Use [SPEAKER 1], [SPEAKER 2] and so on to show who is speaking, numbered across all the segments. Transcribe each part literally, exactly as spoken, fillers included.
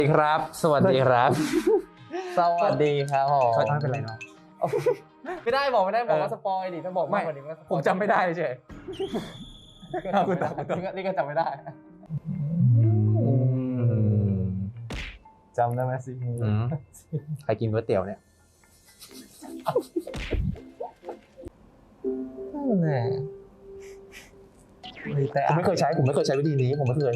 [SPEAKER 1] สวัสดีครับสวัสดีครับสวัสดีครับผมไม่เป็นไรเนาะ
[SPEAKER 2] ไม่ได้บอกไม่ได้บอกว่าสปอยดิถ้าบอกมากกว่านี้ก็ผมจำไม่ได้เฉยคุณตาคุณตานี่ก็จำไม่ได้จำได้ไหมสิ
[SPEAKER 1] ใครกินก๋วยเตี๋ยวเนี่ย
[SPEAKER 2] นั่นแหละ
[SPEAKER 1] ผมไม่เคยใช้ผมไม่เคยใช้วิธีนี้ผมไม่เคย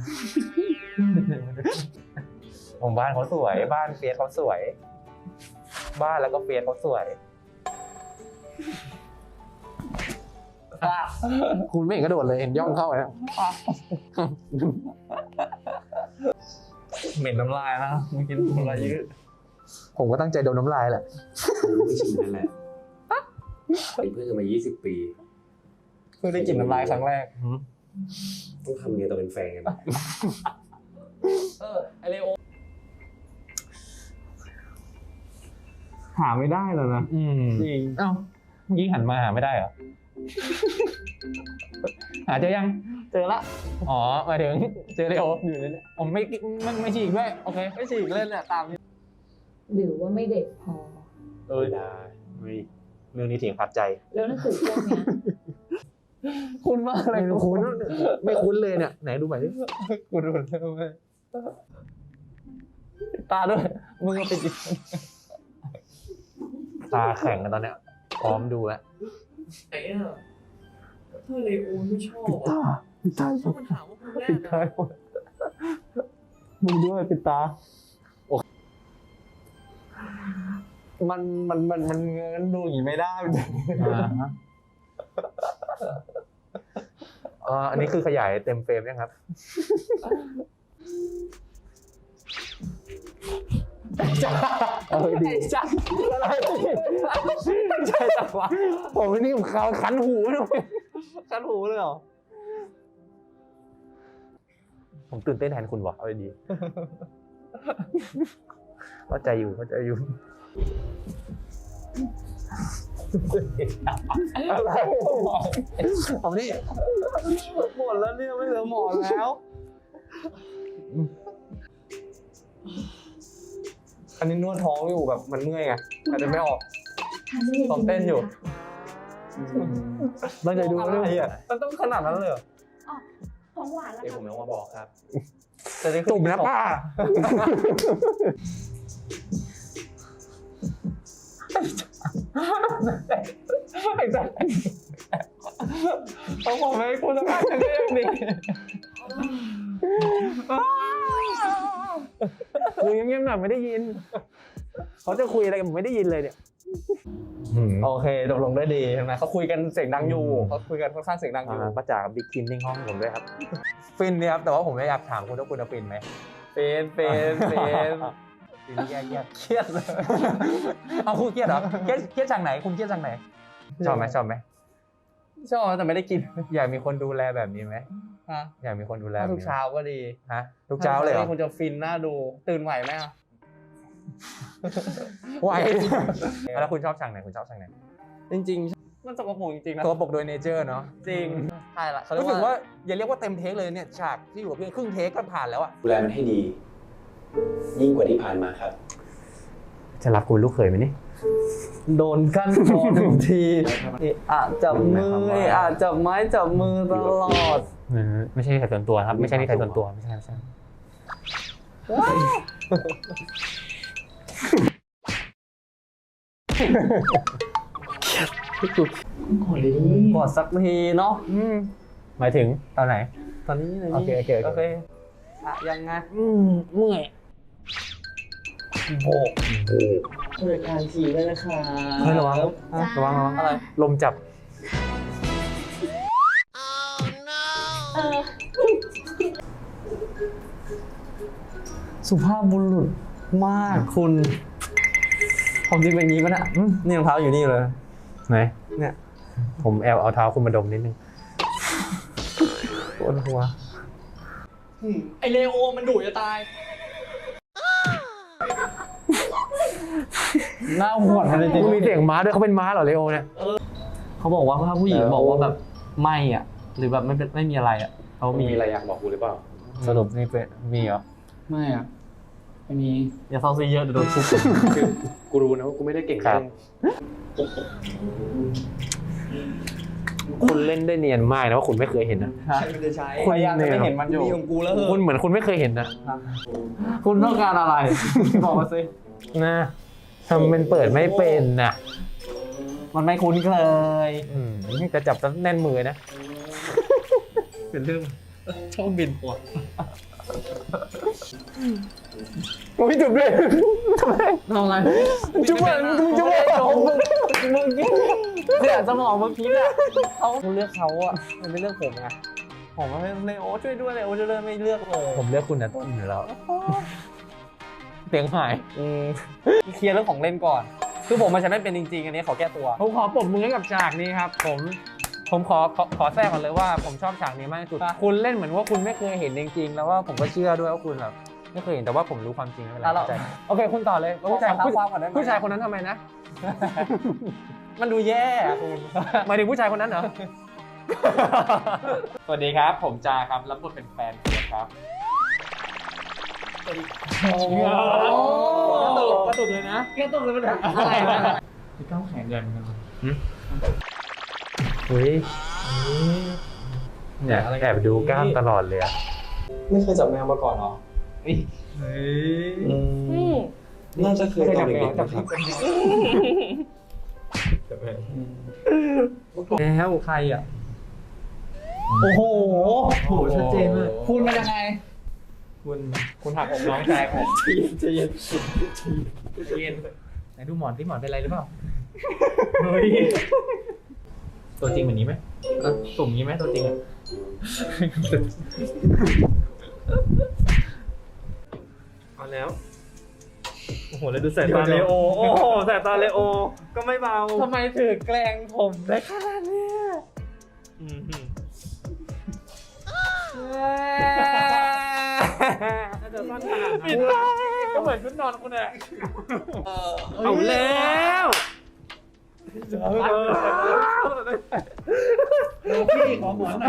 [SPEAKER 1] ผมบ้านเขาสวยบ้านเฟียสเขาสวยบ้านแล้วก็เฟียสเขาสวยคุณไม่เห็นกระโดดเลยเห็นย่องเข้าแล้ว
[SPEAKER 2] เหม็นน้ำลายนะเมื่อกี้น้ำลายยืด
[SPEAKER 1] ผมก็ตั้งใจโดนน้ำลายแหละ
[SPEAKER 3] ไม่ชิมนั่นแหละเป็นเพื่อนกันมายี่สิบปี
[SPEAKER 2] เพิ่งได้กลิ่นน้ำลายครั้งแรก
[SPEAKER 3] ต้องทำไงตอนเป็นแฟนกัน
[SPEAKER 2] เออไอเลโอหาไม่ได้แล้วนะ
[SPEAKER 1] จริงเอ้าเมื่อกี้หันมาหาไม่ได้เหรอหาเจอยัง
[SPEAKER 2] เจอละ
[SPEAKER 1] อ๋อหมายถึงเจอเลโออยู่นี่ผมไม่ไม่ไม่ฉีกด้วยโอเค
[SPEAKER 2] ไม่ฉีกเล่นเนี่ยตามนี้
[SPEAKER 4] หรือว่าไม่เด็กพอ
[SPEAKER 1] เออได้ไม่เรื่องนี้เถียงพัดใจ
[SPEAKER 4] แล้วหนังสือพวกเนี้ย
[SPEAKER 2] คุ้นมากเลย
[SPEAKER 1] คุ้นไม่คุ้นเลยเนี่ยไหนดูใหม่ดิ
[SPEAKER 2] กูดูเลยตาด้วยมึงก็เป็น
[SPEAKER 1] ตาแข็งกันตอนเนี้ยพร้อมดูแล้ว
[SPEAKER 2] ไอ้เนี่ยถ้าเลโอไม่ชอบ
[SPEAKER 1] ปิดตาปิดตา
[SPEAKER 2] มันถามว่าคนแรกนะมึงด้วยปิดตามันมันมันมันเงินดูอย่างนี้ไม่ได้
[SPEAKER 1] อ่าอันนี้คือขยายเต็มเฟรมยังครับ
[SPEAKER 2] เออดีจังอะไรใช่จังวะ
[SPEAKER 1] ผมนี่ผมเขาคันหูเลย
[SPEAKER 2] คันหูเลยเหรอ
[SPEAKER 1] ผมตื่นเต้นแทนคุณวะเอาดีเข้าใจอยู่เข้าใจอยู่
[SPEAKER 2] อะไร
[SPEAKER 1] เอานี่
[SPEAKER 2] หมดแล้วเนี่ยไม่เหลือหมอนแล้วอันนี้นวดท้องอยู่แบบมันเมื่อยไงอาจจะไม่ออกซ้อมเต้นอยู่
[SPEAKER 1] ตั้งใจดู
[SPEAKER 2] อะไรอ่ะมันต้องขนาดนั้นเลยเหรอ
[SPEAKER 4] ของหวานแล้ว
[SPEAKER 3] เดี๋ยวผมเอามาบอกครับ
[SPEAKER 1] จุ่มนะป้า
[SPEAKER 2] ไอ้สัสเขาบอกให้คุณสภาพอย่างนี้อย่างนี้
[SPEAKER 1] คุยเงียบๆหน่อยไม่ได้ยินเขาจะคุยอะไรกันผมไม่ได้ยินเลยเนี่ย
[SPEAKER 2] โอเคตกลงได้ดีใช่ไหมเขาคุยกันเสียงดังอยู่เขาคุยกันค่อนข้างเสียงดังอยู่
[SPEAKER 1] ป้าจ๋ากับบิ๊กคินนิ่งห้องผมด้วยครับฟินเนี่ยครับแต่ว่าผมอยากถามคุณว่าคุณฟินไหม
[SPEAKER 2] เป็นเป็นเป็น
[SPEAKER 1] ฟินแย่
[SPEAKER 2] ๆเครียดเลย
[SPEAKER 1] เอาคุณเครียดเหรอเครียดเครียดจากไหนคุณเครียดจากไหนชอบไหมชอบไหม
[SPEAKER 2] ชอบแต่ไม่ได้กิน
[SPEAKER 1] อยากมีคนดูแลแบบนี้ไหม
[SPEAKER 2] ฮะ
[SPEAKER 1] อยากมีคนดูแล
[SPEAKER 2] ทุกเช้าก็ดี
[SPEAKER 1] ฮะทุกเช้าเลยเหรอ
[SPEAKER 2] คุณจะฟินน่าดูตื่นไหวไหมอ่ะ
[SPEAKER 1] ไหวแล้วคุณชอบฉากไหนคุณชอบฉากไหน
[SPEAKER 2] จริงๆมันสกปรกจริงๆนะ
[SPEAKER 1] สกปรกโดยเนเจอร์เนาะ
[SPEAKER 2] จริงใช่ละ
[SPEAKER 1] รู้สึกว่าอย่าเรียกว่าเต็มเทคเลยเนี่ยฉากที่อยู่กับเพื่อนครึ่งเทคก็ผ่านแล้วอะ
[SPEAKER 3] ดูแลมันให้ดียิ่งกว่าที่ผ่านมาครับ
[SPEAKER 1] จะรับคุณลูกเขยไหมนี่
[SPEAKER 2] โดนกั้นคอหนึ่งทีอาจจับมืออาจจับไม้จับมือตลอด
[SPEAKER 1] ไม่ใช่ใครส่วนตัวครับไม่ใช่นี่ใครส่วนตัวไม่ใช่ไม่ใช่
[SPEAKER 2] กดเลยกดสักทีเนาะ
[SPEAKER 1] หมายถึงตอนไหน
[SPEAKER 2] ตอนนี้เลย
[SPEAKER 1] โอเคโอเคโอเค
[SPEAKER 2] อะยังไง
[SPEAKER 1] เมื่อย
[SPEAKER 2] โบกรายการทีด้วยนะคะ
[SPEAKER 1] ระวังระวังระวังอะไรลมจับ
[SPEAKER 2] สุภาพบุรุษมากคุณผมจริงเป็นอย่างนี้ป่ะเนี่ยนี่รองเท้าอยู่นี่เลย
[SPEAKER 1] ไหน
[SPEAKER 2] เนี่ย
[SPEAKER 1] ผมแอบเอาเท้าคุณมาดมนิดนึงปวดหัว
[SPEAKER 2] ไอเลโอมันดุจะตายหน้าหวดจริง
[SPEAKER 1] ๆมีเสียงม้าด้วยเขาเป็นม้าเหรอเลโอเนี่ย
[SPEAKER 2] เขาบอกว่าถ้าผู้หญิงบอกว่าแบบไม่อ่ะหรือแบบไม่ไม่มีอะไรอ่ะเขา
[SPEAKER 3] มีอะไรอยากบอกกูหรือเปล่า
[SPEAKER 1] สรุปนี่เป็นมีเหรอ
[SPEAKER 2] ไม่อ่ะไม่มีอย่าเซาซีเยอะเดี๋ยวโดนทุบ
[SPEAKER 5] คือกูรู้นะว่ากูไม่ได้เก่ง
[SPEAKER 1] ครั
[SPEAKER 5] เรื่
[SPEAKER 1] บ
[SPEAKER 5] องคุณเล่นได้เนียนมากนะว่าคุณไม่เคยเห็นนะ
[SPEAKER 3] ใช่มันจะใช้
[SPEAKER 2] พยายามจะไม่เห็นมันอยู่
[SPEAKER 3] มีของกูแล้วเหรอ
[SPEAKER 5] คุณเหมือนคุณไม่เคยเห็นนะ
[SPEAKER 2] คุณต้องการอะไร บอกมาสิ
[SPEAKER 5] นะทำเป็นเปิดไม่เป็นนะ
[SPEAKER 2] มันไม่คุ้นเคย
[SPEAKER 5] อืมจะจับแน่นมือนะ
[SPEAKER 2] เป็นเรื่องชอบบินหัว
[SPEAKER 5] โอ้ยจุบเลยทำไม
[SPEAKER 2] ทำอะไร
[SPEAKER 5] จุบเลยมึงจุบเลย
[SPEAKER 2] มึงมึงเสียสมองเมื่อกี้อะเขาเลือกเขาอะมันไม่เลือกผมไงผมไม่เลยโอ้ช่วยด้วยเลยโอ้ช่วยด้วยไม่เลือกเลย
[SPEAKER 5] ผมเลือกคุณนะต้นอยู่แล้วเสียงหาย
[SPEAKER 2] อืมเคลียร์เรื่องของเล่นก่อน คือผมมันจะไม่เป็นจริงๆอันนี้ขอแก้ตัว
[SPEAKER 5] ผมขอปรบมือให้กับฉากนี้ครับ ผม ผมขอขอขอแทรกก่อนเลยว่าผมชอบฉากนี้มากที่สุด คุณเล่นเหมือนว่าคุณไม่เคยเห็นจริงๆ แล้วว่าผมก็เชื่อด้วยว่าคุณแบบไม่เคยเห็นแต่ว่าผมรู้ความจริงไม่เป็นไร
[SPEAKER 2] อ่ะเรา
[SPEAKER 5] เข้าใจโอเคคุณต่อเลยแล้วผู้ชาย
[SPEAKER 2] ขอความก่อนได้ไหม
[SPEAKER 5] ผู้ชายคนนั้นทำไมนะ
[SPEAKER 2] มันดูแย่อะคุณ
[SPEAKER 5] หมายถึงผู้ชายคนนั้นเหรอ สวัสดีครับ ผมจาครับรับบทเป็นแฟนเฟียสครับ
[SPEAKER 2] โอ้โห
[SPEAKER 5] กระตุกกระตุกเลยนะ
[SPEAKER 2] แก้ตัวเลยมันอะไรนะ
[SPEAKER 5] พี่ก้าวแข็งเกินกันเฮ้ยเนี่ยแอบดูกล้ามตลอดเลยอะ
[SPEAKER 3] ไม่เคยจับแมวมาก่อนเหรอ
[SPEAKER 5] เฮ้ย
[SPEAKER 3] อืมน่าจะเคยตอนเด็กๆนะครับ
[SPEAKER 5] แล้วใครอ่ะ
[SPEAKER 2] โอ้โห
[SPEAKER 5] โหชัดเจนมาก
[SPEAKER 2] คุณเป็นยังไง
[SPEAKER 5] คุณคุณหักอกน้องชายผมใจเย็นใจเย็นไหนดูหมอนที่หมอนเป็นไรหรือเปล่าเฮ้ยตัวจริงเหมือนนี้ไหมตุ่มนี้ไหมตัวจริงอ่ะเอาแล้วโอ้โหแล้วดูสายตาเลโอโอ้โหสายตาเลโอก็ไม่เบา
[SPEAKER 2] ทำไมถือแกล้งผมได้ขนาดเนี้ย
[SPEAKER 5] อืม
[SPEAKER 2] ปิดตาก็เหมือนชุดนอนคุณอะ
[SPEAKER 5] เอาแล้ว
[SPEAKER 2] ดูพี่ของหมอนหน่อย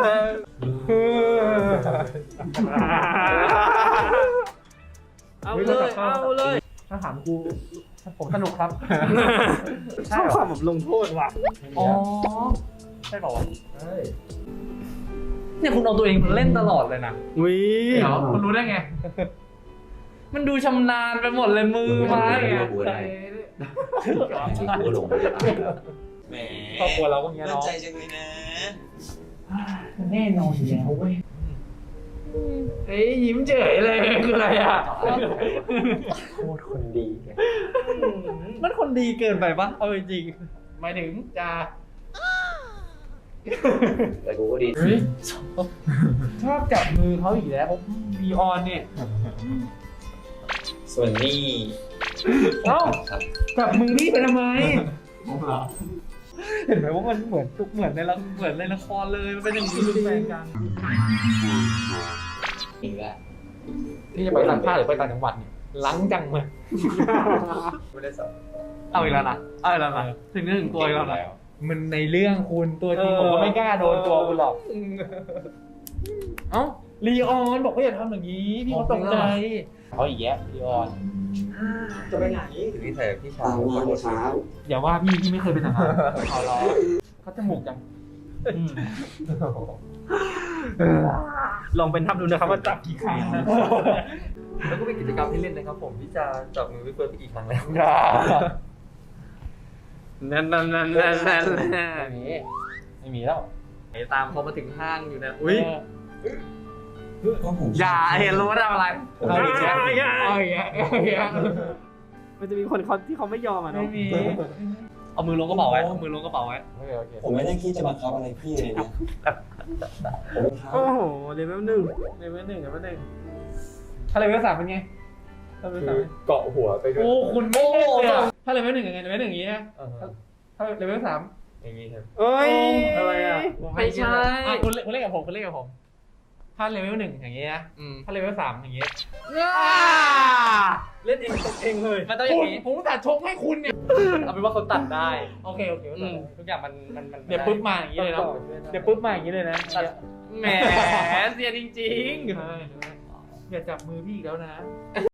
[SPEAKER 5] เอาเลย เอาเลย
[SPEAKER 2] ถ้าถามกูผมสนุกครับ
[SPEAKER 5] ชอบความแบบลงโทษว่ะ
[SPEAKER 2] อ๋อ ใช่เปล่าวะเนี่ยคุณเอาตัวเองมาเล่นตลอดเลยนะ
[SPEAKER 5] วิ
[SPEAKER 2] เดี๋ยวคุณรู้ได้ไง มันดูชำนาญไปหมดเลยมือไม้อะ
[SPEAKER 3] กูหลงแหม
[SPEAKER 5] ครอบครัวเราก็เงี้ย
[SPEAKER 3] มั่น
[SPEAKER 5] เนาะ
[SPEAKER 3] ใจจังเลยนะ
[SPEAKER 2] แน่นอนอยู่แล้วเว้ยเฮ้ยยิ้มเฉยเลยคืออะไรอ่ะ
[SPEAKER 5] โคตรคนดีเลย
[SPEAKER 2] มันคนดีเกินไปปะเอาจริงหมายถึงจะ
[SPEAKER 3] แต่กูก็ดี
[SPEAKER 2] เฮ้ยชอบจับมือเขาอีกแล้วบีออนเนี่ย
[SPEAKER 3] ส่วนนี้
[SPEAKER 2] เอ้า
[SPEAKER 3] ครับ
[SPEAKER 2] จับมือพี่ไปทำไม เห็นไหมว่ามันเหมือนทุกเหมือนในละเหมือนในละครเลยมันเป็นอย่างนี้แฟนกัน
[SPEAKER 3] อีกแล้ว
[SPEAKER 5] ที่จะไปต่างชาติหรือไปต่างจังหวัดเนี่ยล้างจังเลย
[SPEAKER 3] ไม่ได้สอบ
[SPEAKER 2] เอาอีกแล้วนะเอาอีกแล้วนะถึงเรื่องถึงตัวอีกแล้วนะ
[SPEAKER 5] มันในเรื่องคุณตัวจริง
[SPEAKER 2] เออ
[SPEAKER 5] ผมก็ไม่กล้าโดนตัวคุณหรอก
[SPEAKER 2] เอ้าลีออนบอกว่าอย่าทำอย่างนี้พี่เขาตกใจ
[SPEAKER 5] เขาอีกแยะพี่ออน
[SPEAKER 3] จะไปไหนถึงที่ใส่พี่ชายมาเช้า
[SPEAKER 5] อย่าว่าพี่พี่ไม่เคยเป็นทหารเขาล้อเขาจมูกจัง ลองเป็นทำดูนะครับว่าจับกี่ครั้ง
[SPEAKER 1] แล้วก็เป็นกิจกรรมที่เล่นนะครับผมที่จะจับมือพี่เฟิร์นไปกี่ครั้งแล้ว
[SPEAKER 5] นั่นนั่นนั่นนั่นนั่น
[SPEAKER 2] ไม่มีไม่มีแล้วตามเขามาถึงห้างอยู่นะอุ้ย
[SPEAKER 3] ก็ผม
[SPEAKER 2] อย่าเห็นรู้ว่าทำอะไร
[SPEAKER 5] เอาอีกแล้ว
[SPEAKER 2] เอาอีกแล้วเอาอีกแล้ว
[SPEAKER 5] มันจะมีคนเขาที่เขาไม่ยอมอ่ะ
[SPEAKER 2] ไม่
[SPEAKER 5] เนาะ
[SPEAKER 2] มีเอามือลงกระเป๋าไว้เอามือลงกระเป๋าไว้
[SPEAKER 5] โอเคโอเค
[SPEAKER 3] ผมไม่ได้คิดจะบังคับอะไรพี่เลยนะผมเป็นเขา
[SPEAKER 5] โอ้โหเลเวลหนึ่งเลเวลหนึ่งเลเวลหนึ่ง
[SPEAKER 2] ถ้าเลเวลสามเป็นไงถ้าเลเวลสาม
[SPEAKER 1] เกาะหัวไปด้วย
[SPEAKER 2] โอ้คุณไม่เล่นเลยอะถ้าเลเวลหนึ่งยังไงเลเวลหนึ่งอย่างนี้นะ
[SPEAKER 1] อ่าฮะ
[SPEAKER 2] ถ้าเลเวลสาม
[SPEAKER 1] อย่างนี้ครับ
[SPEAKER 5] เอ้ย
[SPEAKER 2] อะไรอ่ะ
[SPEAKER 5] ไม่ใช่
[SPEAKER 2] อ่ะคุณเล่นคุณเล่นกับผมคุณเล่นกับผม ถ้าเลเวลหนึ่งอย่างนี้นะถ้าเลเวลสามอย่างนี้
[SPEAKER 5] เล่นเองตกเองเลย
[SPEAKER 2] มันต้องอย่างนี้ผมตัดชกให้คุณเนี่ยเอาเป็นว่าเขาตัดได้โอเคโอเคทุกอย่างมันมันมันเดี๋ยวปุ๊บมาอย่างนี้เลยเนาะเดี๋ยวปุ๊บมาอย่างนี้เลยนะแหมเสียจริงๆอย่าจับมือพี่อีกแล้วนะ